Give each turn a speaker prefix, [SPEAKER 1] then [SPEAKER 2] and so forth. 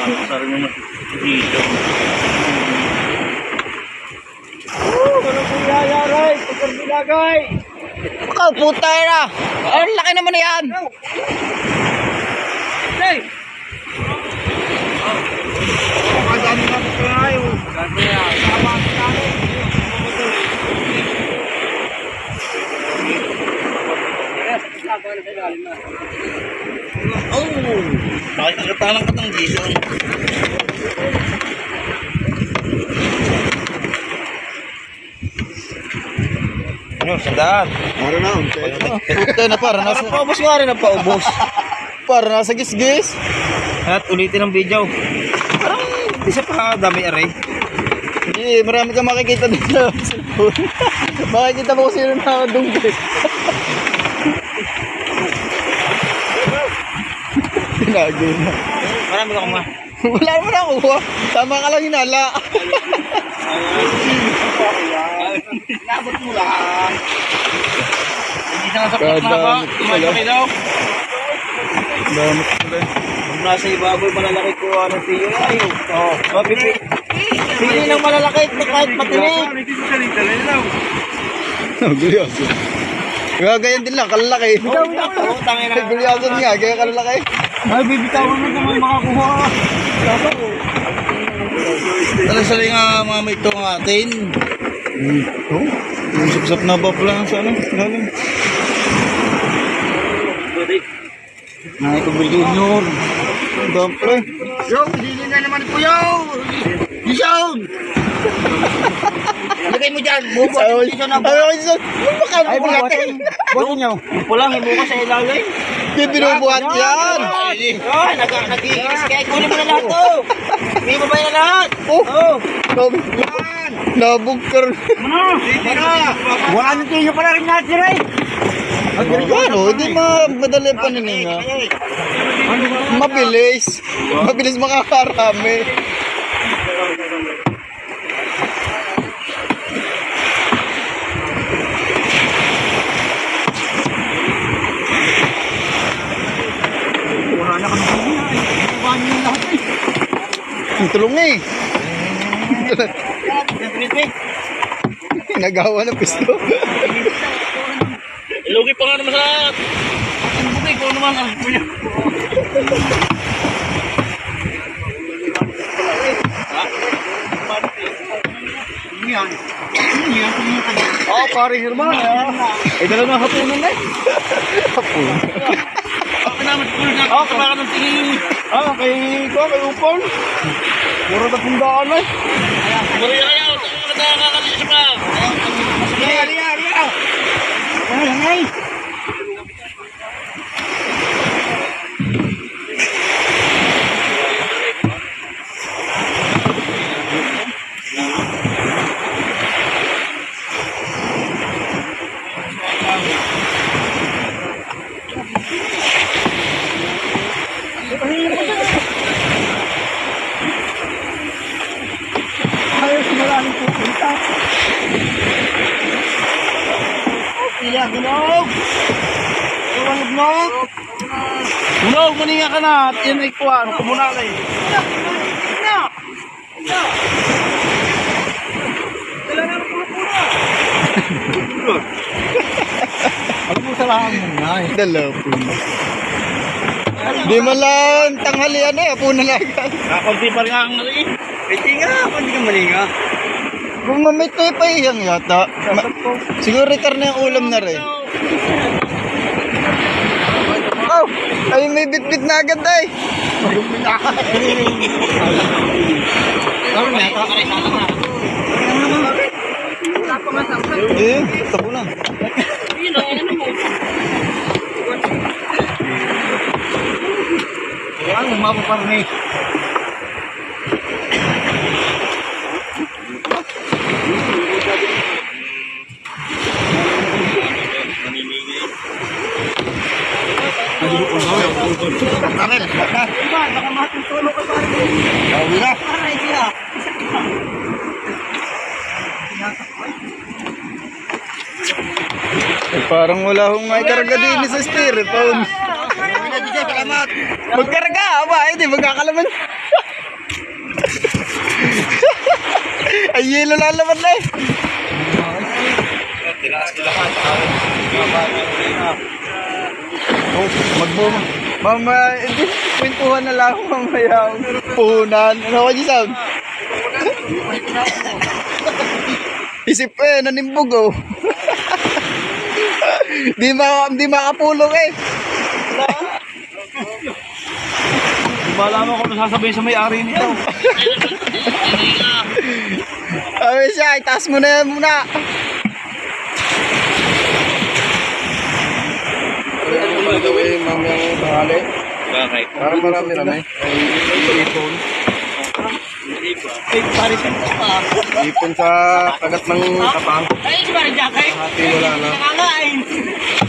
[SPEAKER 1] Sarang naman dito.
[SPEAKER 2] Ano po yayaray? Pagkarbilagay!
[SPEAKER 3] Ikaw, puta na! Ang laki naman na yan!
[SPEAKER 2] Hey! Kadami na po tayo. Kadami na. Sama ang namin.
[SPEAKER 1] Oh! Nakikagatalang ka ng Jason.
[SPEAKER 3] Ano, sandaan?
[SPEAKER 2] Para na.
[SPEAKER 3] Puta na, para nasa...
[SPEAKER 1] Paubos nga rin ang paubos.
[SPEAKER 3] Para nasa gis-gis.
[SPEAKER 1] At ulitin ang video. Parang isa pa dami aray.
[SPEAKER 3] Hindi, marami kang makikita dito. Makikita mo kung sino nakadunggi. Tinago na.
[SPEAKER 1] Marami ka kuma.
[SPEAKER 3] Wala naman nakuha. Tama ka lang hinala.
[SPEAKER 2] Nabot mo lang.
[SPEAKER 1] Hindi na sa plat na ba? Tumayo daw.
[SPEAKER 3] Damot pala.
[SPEAKER 1] Kung nasa ibaboy malalaki ko ng tiyo ayaw. Oo. Pili ng malalaki kahit matinig.
[SPEAKER 3] Gulyason. Ganyan din lang, kalalaki. Gulyason nga, ganyan kalalaki.
[SPEAKER 2] Ay, bibitawan mo naman makakuha ka.
[SPEAKER 1] Talaga nga mga may ito ng atin.
[SPEAKER 3] Oh, yung sapsap na ba pala sa ano? Lalim.
[SPEAKER 1] Nakikabili junior.
[SPEAKER 3] Ang dami pala.
[SPEAKER 2] Yo, hindi na naman po yo. Jason! Lagay mo dyan. Bubo ang Jason na
[SPEAKER 3] Ayaw ko dyan. Baka
[SPEAKER 2] Ay,
[SPEAKER 3] buhatin.
[SPEAKER 2] buhatin nyo.
[SPEAKER 1] Pulang, hibo ka sa ilalim.
[SPEAKER 3] Hindi binubuhat yan.
[SPEAKER 1] Ay, nag-iinis kaya kunin mo na lahat to. May babay na lahat.
[SPEAKER 3] Oh, nabugkar.
[SPEAKER 2] Sige na. Wala na tiyo pala rin natin rin.
[SPEAKER 3] Ano, hindi madali ang panininga. Mabilis. Mabilis makakarami.
[SPEAKER 2] Wala na kami tiyo. Ay, yung lahat eh.
[SPEAKER 3] Ang tulong eh. Nagawa ng pisto.
[SPEAKER 1] Ilugi pa nga naman sa lahat. Ang bukay ko naman ang kuya.
[SPEAKER 2] Yan. Yan.
[SPEAKER 3] Oh, pare Herman. Ay, dalawa hapunan na eh. Hapunan.
[SPEAKER 1] Okay naman, kuya. Oh, kumaka ng tingin.
[SPEAKER 3] Kay Upon. Puro na pundaan eh.
[SPEAKER 1] Buri na kayo. Nakakakalis pa.
[SPEAKER 2] Aliya. Ay. Ayos malalim pupunta. Iya, gunog. Gunog.
[SPEAKER 1] Unog, maninga ka na. At yan ay kuha. Kumunalay.
[SPEAKER 2] Alam mo sa lahat mo na eh.
[SPEAKER 3] Dalawa po. Di man lang tanghalian eh. Hapunan na agad.
[SPEAKER 1] Kakunti pa rin ang nalii.
[SPEAKER 2] Pwede nga, hindi ka malinga.
[SPEAKER 3] Kung mamitoy pa iyang yata. Siguro karne yung ulam na rin. Oh, ay may bitbit na agad eh. Eh, tapo na.
[SPEAKER 2] Ang mapaparni.
[SPEAKER 3] Parang wala hong may karga din sa styrofoam. Magkarga, aba, hindi magkakalaman. Ay, yelo lalaman na eh. Oh, magboma. Mama, edi, kwentuhan na lang mamaya. Puhunan. Ano ka, Jisam? Isip eh, nanimbog oh. Di makapulong eh.
[SPEAKER 1] Di ba alam ko kung sasabihin sa may-ari nito?
[SPEAKER 3] Sabi siya, itaas mo na yan muna. By the way, mamayang tanghali.
[SPEAKER 1] Bakit?
[SPEAKER 3] Parang marami-rami. Ipon.
[SPEAKER 1] Pare siya pa.
[SPEAKER 3] Ipon sa kagat ng kapang.
[SPEAKER 1] Ay, si Pare Jack eh.
[SPEAKER 3] Hati wala na.
[SPEAKER 1] Nangangain.